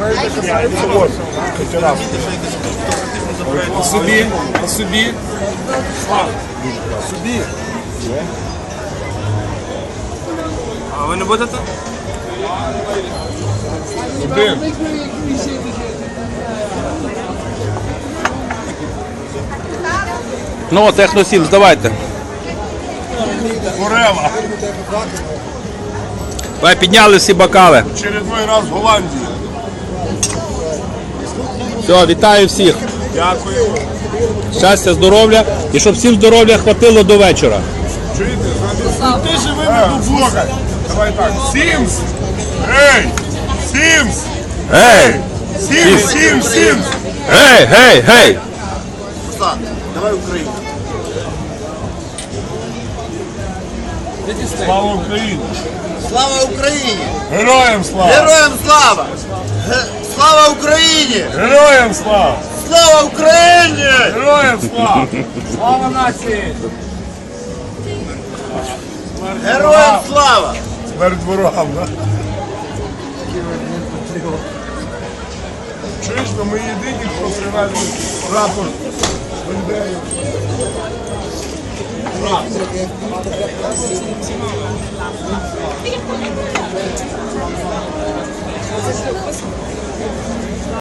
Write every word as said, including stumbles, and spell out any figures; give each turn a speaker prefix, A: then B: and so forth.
A: Вот, раз.
B: По собі, по собі.
A: Собі.
B: А ви не будете?
A: Один.
C: Ну, Техносім, здавайте.
A: Форела.
C: Ви підняли всі бокали.
A: Очередной раз в Голландії.
C: Все, вітаю всіх.
A: Дякую.
C: Щастя, здоров'я. І щоб всім здоров'я хватило до вечора.
A: Чуєте? Ти живи на слухай. Давай так. Сімс. Ей! Сімс.
C: Гей!
A: Сімс, Сімс, Сімс.
C: Гей, гей, гей!
D: Руслан, давай Україну.
A: Слава Україні!
D: Слава Україні!
A: Героям слава!
D: Героям слава! Ге- Слава Україні!
A: Героям слава!
D: Слава Україні!
A: Героям слава!
B: Слава нації!
D: Героям слава!
A: Смерть ворогам, да? Чуєш, ну ми єдині, хто привезли прапор Бандери.